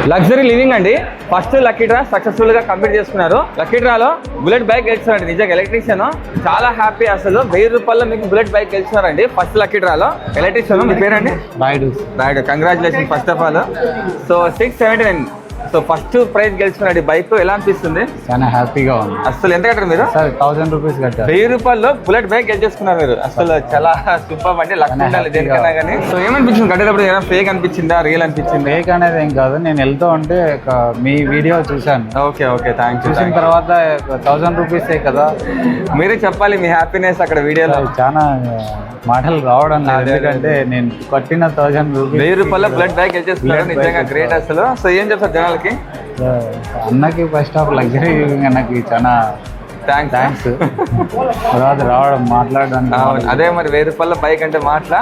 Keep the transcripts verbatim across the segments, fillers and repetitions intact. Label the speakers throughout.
Speaker 1: Luxury living అండి. First lucky draw successful గా complete చేసుకున్నారు. లక్కీ డ్రాలో బుల్లెట్ బైక్ గెలిచారండి. నిజంగా ఎలక్ట్రీషియన్ చాలా హ్యాపీ. అసలు వెయ్యి రూపాయల్లో మీకు బుల్లెట్ బైక్ గెలిచినారండి ఫస్ట్ లక్కీ డ్రాలో. ఎలక్ట్రీషియన్ మీ పేరండి?
Speaker 2: Rayudu.
Speaker 1: Rayudu, congratulation first of all. So six seventy nine so first prize గెలుచుకున్నాడు బైక్. ఎలా అనిపిస్తుంది?
Speaker 2: చాలా హ్యాపీగా ఉంది.
Speaker 1: అసలు ఎంత కట్టారు మీరు?
Speaker 2: సార్ థౌసండ్ రూపీస్ కట్టారు.
Speaker 1: వెయ్యి రూపాయల్లో బుల్లెట్ బైక్ గెలిచేసుకున్నారు మీరు. అసలు చాలా సూపర్ అండి. లక్ ఉండాలి దేనికన్నా కానీ. సో ఏమనిపించింది కట్టేటప్పుడు? ఏమైనా ఫేక్ అనిపించిందా, రియల్ అనిపించింది?
Speaker 2: ఫేక్ అనేది ఏం కాదు, నేను వెళ్తూ ఉంటే ఒక మీ వీడియో చూశాను.
Speaker 1: Okay okay thank you.
Speaker 2: చూసిన తర్వాత థౌసండ్ రూపీసే కదా,
Speaker 1: మీరే చెప్పాలి మీ హ్యాపీనెస్ అక్కడ వీడియోలో.
Speaker 2: చాలా మాటలు రావడం లేదు, ఎందుకంటే నేను కట్టిన థౌసండ్ రూపీస్
Speaker 1: వెయ్యి రూపాయల బుల్లెట్ బైక్ గెలిచేసుకున్నారు. నిజంగా గ్రేట్ అసలు. సో ఏం చెప్తారు జనాలకి?
Speaker 2: అన్నకి ఫస్ట్ ఆఫ్ లగ్జరీ నాకు చాలా
Speaker 1: థ్యాంక్స్
Speaker 2: థ్యాంక్స్ తర్వాత రావడం మాట్లాడడానికి.
Speaker 1: అదే మరి వెయ్యి రూపాయల బైక్ అంటే మాట్లా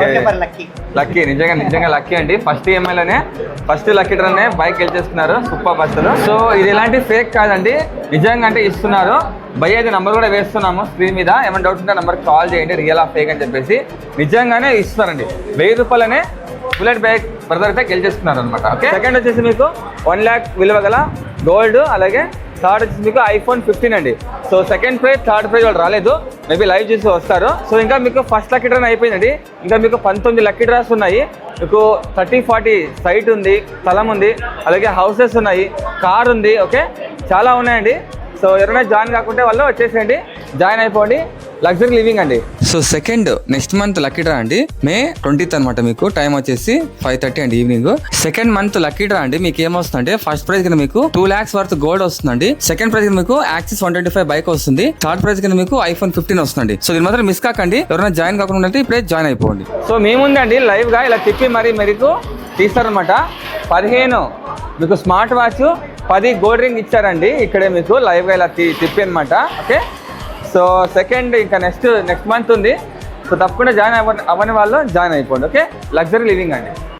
Speaker 1: లక్కీ. నిజంగా నిజంగా లక్కీ అండి. ఫస్ట్ ఈఎంఐలోనే ఫస్ట్ లక్కీ డ్రానే బైక్ గెలిచేస్తున్నారు. సూపర్ బస్సులు. సో ఇది ఎలాంటి ఫేక్ కాదండి, నిజంగా అంటే ఇస్తున్నారు. భయ అయితే నెంబర్ కూడా వేస్తున్నాము స్క్రీన్ మీద. ఏమైనా డౌట్ ఉంటే నెంబర్కి కాల్ చేయండి, రియల్ ఆ ఫేక్ అని చెప్పేసి. నిజంగానే ఇస్తున్నారండి. వెయ్యి రూపాయలనే బుల్లెట్ బైక్ బ్రదర్ అయితే గెలిచేస్తున్నారు అనమాట. ఓకే, సెకండ్ వచ్చేసి మీకు వన్ ల్యాక్ విలువ గల గోల్డ్, అలాగే థర్డ్ వచ్చేసి మీకు ఐఫోన్ ఫిఫ్టీన్ అండి. So second prize third prize వాళ్ళు రాలేదు, మేబీ లైవ్ చూసి వస్తారు. సో ఇంకా మీకు ఫస్ట్ లక్కీ డ్రా అయిపోయిందండి. ఇంకా మీకు పంతొమ్మిది లక్కీ డ్రాస్ ఉన్నాయి. మీకు థర్టీ ఫార్టీ సైట్ ఉంది, స్థలం ఉంది, అలాగే హౌసెస్ ఉన్నాయి, కార్ ఉంది. ఓకే, చాలా ఉన్నాయండి. సో ఎవరైనా జాయిన్ కాకుంటే వాళ్ళు వచ్చేసేయండి, జాయిన్ అయిపోండి. లగ్జరీ లివింగ్ అండి. So second next month lucky draw అండి, మే ట్వంటీత్ అనమాట. మీకు టైం వచ్చేసి ఫైవ్ థర్టీ అండి evening. Second month lucky draw అండి. మీకు ఏమొస్తుందంటే ఫస్ట్ ప్రైజ్ కింద మీకు టూ లాక్స్ వర్త్ గోల్డ్ వస్తుందండి. సెకండ్ ప్రైజ్ కింద మీకు Access one twenty five bike వస్తుంది. థర్డ్ ప్రైజ్ కింద మీకు ఐఫోన్ ఫిఫ్టీన్ వస్తుంది. సో దీని మాత్రం మిస్ కాకండి. ఎవరైనా జాయిన్ కాకుండా ఉంటే ఇప్పుడే జాయిన్ అయిపోండి. సో మేముందండి లైవ్ గా ఇలా తిప్పి మరి మీకు తీస్తారనమాట. పదిహేను మీకు స్మార్ట్ వాచ్, పది గోల్డ్ రింగ్ ఇచ్చారండి. ఇక్కడే మీకు లైవ్ గా ఇలా తిప్పి అనమాట. ఓకే, సో సెకండ్ ఇంకా నెక్స్ట్ నెక్స్ట్ మంత్ ఉంది. సో తప్పకుండా జాయిన్ అవ్వ అవ్వని వాళ్ళు జాయిన్ అయిపోండి. ఓకే, లగ్జరీ లివింగ్ అండి.